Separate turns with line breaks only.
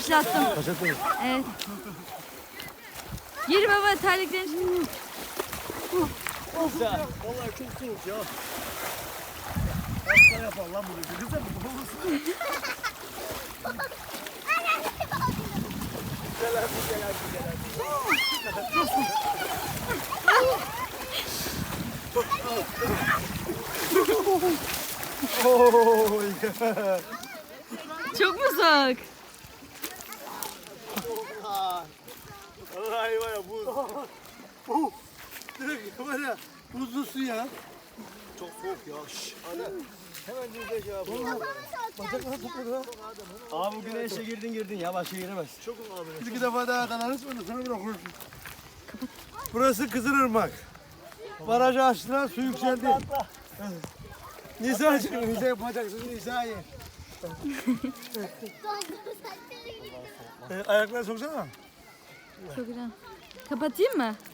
Başlattım.
Başlattınız.
Evet. Gir baba terliklerin.
Vallahi çok soğuk ya. Hasta yapar lan bunu. Güzel mi?
Çok mu soğuk?
Vallahi var ya buz. Direkt var ya buzlu su ya. Çok soğuk ya. Şşş. Ana. Hemen yüzde şey yapalım. Bacakları tutmadı ha.
Abi bu güneşe girdin ya başka giremez.
Çok abi. Bir iki defa daha kanarız mı? Sana bırakırız. Burası Kızılırmak. Barajı açtılar, su yükseldi. Nisa'cığım, Nisa yapacaksın Nisa'yı. Ayakları soksana.
Çok güzel. Kapatayım mı?